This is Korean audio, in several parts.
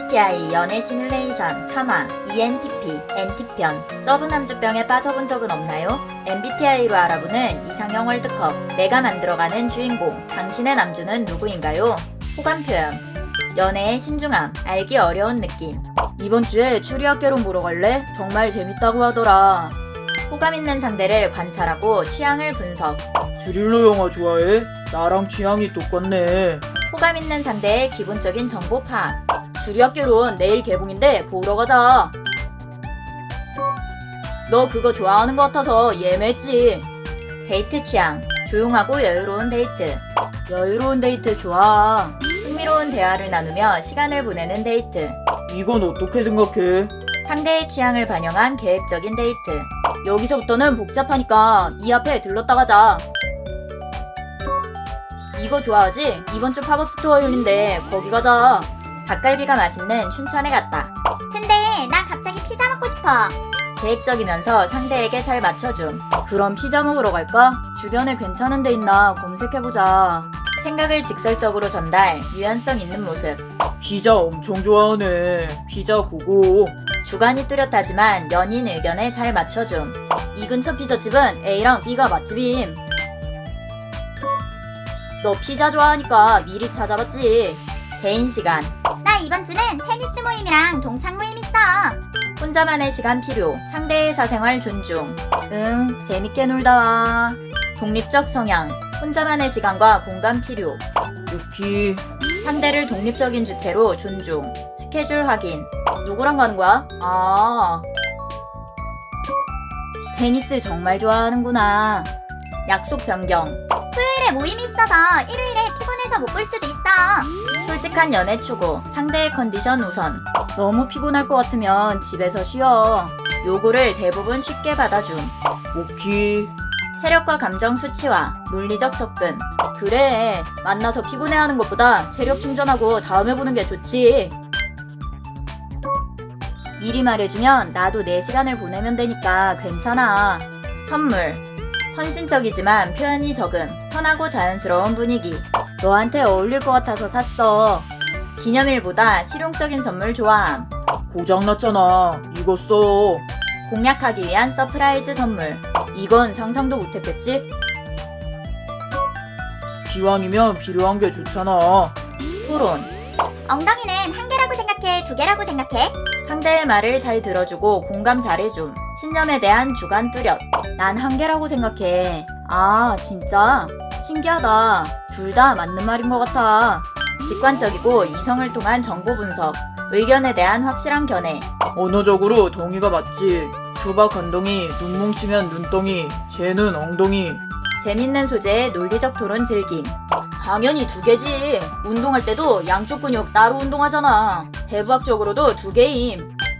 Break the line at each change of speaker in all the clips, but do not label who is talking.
MBTI 연애 시뮬레이션 3화 ENTP NT편. 서브남주병에 빠져본 적은 없나요? MBTI로 알아보는 이상형 월드컵. 내가 만들어가는 주인공. 당신의 남주는 누구인가요? 호감 표현. 연애의 신중함. 알기 어려운 느낌. 이번 주에 추리학개론 보러 갈래? 정말 재밌다고 하더라. 호감 있는 상대를 관찰하고 취향을 분석.
스릴러 영화 좋아해? 나랑 취향이 똑같네.
호감 있는 상대의 기본적인 정보 파악. 주리학개론 내일 개봉인데 보러 가자. 너 그거 좋아하는 것 같아서 예매했지. 데이트 취향. 조용하고 여유로운 데이트. 여유로운 데이트 좋아. 흥미로운 대화를 나누며 시간을 보내는 데이트.
이건 어떻게 생각해?
상대의 취향을 반영한 계획적인 데이트. 여기서부터는 복잡하니까 이 앞에 들렀다 가자. 이거 좋아하지? 이번 주 팝업 스토어 열린대. 거기 가자. 닭갈비가 맛있는 춘천에 갔다.
근데 나 갑자기 피자 먹고 싶어.
계획적이면서 상대에게 잘 맞춰줌. 그럼 피자 먹으러 갈까? 주변에 괜찮은 데 있나 검색해보자. 생각을 직설적으로 전달, 유연성 있는 모습.
피자 엄청 좋아하네. 피자 고고.
주관이 뚜렷하지만 연인 의견에 잘 맞춰줌. 이 근처 피자집은 A랑 B가 맛집임. 너 피자 좋아하니까 미리 찾아봤지. 개인 시간.
나 이번 주는 테니스 모임이랑 동창 모임 있어.
혼자만의 시간 필요. 상대의 사생활 존중. 재밌게 놀다 와. 독립적 성향. 혼자만의 시간과 공간 필요.
유키.
상대를 독립적인 주체로 존중. 스케줄 확인. 누구랑 가는 거야? 테니스 정말 좋아하는구나. 약속 변경.
토요일에 모임이 있어서 일요일에 피곤해서 못 볼 수도 있어.
솔직한 연애 추구. 상대의 컨디션 우선. 너무 피곤할 것 같으면 집에서 쉬어. 요구를 대부분 쉽게 받아줌.
오키.
체력과 감정 수치화. 논리적 접근. 그래, 만나서 피곤해하는 것보다 체력 충전하고 다음에 보는 게 좋지. 미리 말해주면 나도 내 시간을 보내면 되니까 괜찮아. 선물. 헌신적이지만 표현이 적음. 편하고 자연스러운 분위기. 너한테 어울릴 것 같아서 샀어. 기념일보다 실용적인 선물 좋아함.
고장났잖아. 이거 써.
공략하기 위한 서프라이즈 선물. 이건 상상도 못했겠지?
기왕이면 필요한 게 좋잖아.
토론.
엉덩이는 한 개라고 생각해? 두 개라고 생각해?
상대의 말을 잘 들어주고 공감 잘해줌. 신념에 대한 주관 뚜렷. 난 한계라고 생각해. 아, 진짜? 신기하다. 둘 다 맞는 말인 것 같아. 직관적이고 이성을 통한 정보 분석. 의견에 대한 확실한 견해.
언어적으로 동의가 맞지. 수박 한 덩이, 눈 뭉치면 눈덩이, 쟤는 엉덩이.
재밌는 소재의 논리적 토론 즐김. 당연히 두 개지. 운동할 때도 양쪽 근육 따로 운동하잖아. 해부학적으로도 두 개임.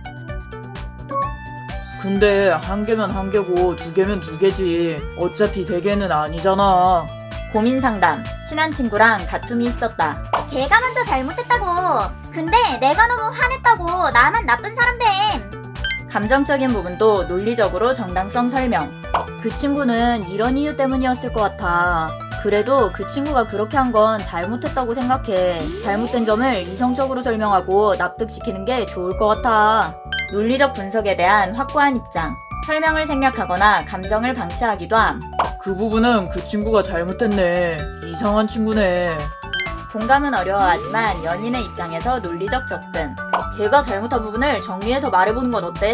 근데 한 개면 한 개고 두 개면 두 개지. 어차피 세 개는 아니잖아.
고민 상담. 친한 친구랑 다툼이 있었다.
걔가 먼저 잘못했다고. 근데 내가 너무 화냈다고 나만 나쁜 사람 됨.
감정적인 부분도 논리적으로 정당성 설명. 그 친구는 이런 이유 때문이었을 것 같아. 그래도 그 친구가 그렇게 한 건 잘못했다고 생각해. 잘못된 점을 이성적으로 설명하고 납득시키는 게 좋을 것 같아. 논리적 분석에 대한 확고한 입장. 설명을 생략하거나 감정을 방치하기도 함.
그 부분은 그 친구가 잘못했네. 이상한 친구네.
공감은 어려워하지만 연인의 입장에서 논리적 접근. 걔가 잘못한 부분을 정리해서 말해보는 건 어때?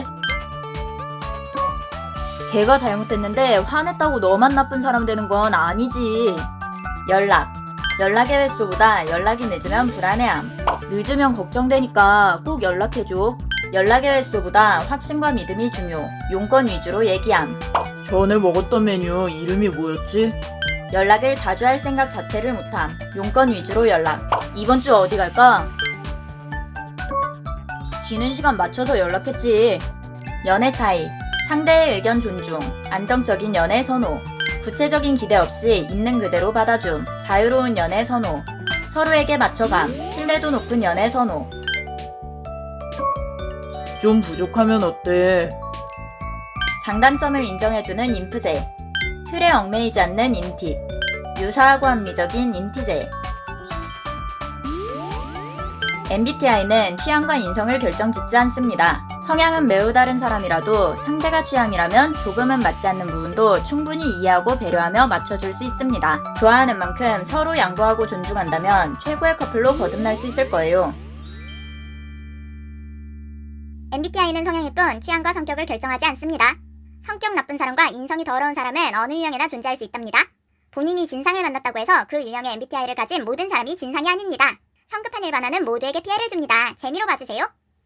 걔가 잘못했는데 화냈다고 너만 나쁜 사람 되는 건 아니지. 연락. 연락의 횟수보다 연락이 늦으면 불안해함. 늦으면 걱정되니까 꼭 연락해줘. 연락의 횟수보다 확신과 믿음이 중요. 용건 위주로 얘기함.
전에 먹었던 메뉴 이름이 뭐였지?
연락을 자주 할 생각 자체를 못함. 용건 위주로 연락. 이번 주 어디 갈까? 쉬는 시간 맞춰서 연락했지. 연애 타입. 상대의 의견 존중. 안정적인 연애 선호. 구체적인 기대 없이 있는 그대로 받아줌. 자유로운 연애 선호. 서로에게 맞춰감. 신뢰도 높은 연애 선호.
좀 부족하면 어때?
장단점을 인정해주는 인프제. 틀에 얽매이지 않는 인팁. 유사하고 합리적인 인티제. MBTI는 취향과 인성을 결정짓지 않습니다. 성향은 매우 다른 사람이라도 상대가 취향이라면 조금은 맞지 않는 부분도 충분히 이해하고 배려하며 맞춰줄 수 있습니다. 좋아하는 만큼 서로 양보하고 존중한다면 최고의 커플로 거듭날 수 있을 거예요.
MBTI는 성향일 뿐 취향과 성격을 결정하지 않습니다. 성격 나쁜 사람과 인성이 더러운 사람은 어느 유형에나 존재할 수 있답니다. 본인이 진상을 만났다고 해서 그 유형의 MBTI를 가진 모든 사람이 진상이 아닙니다. 성급한 일반화는 모두에게 피해를 줍니다. 재미로 봐주세요.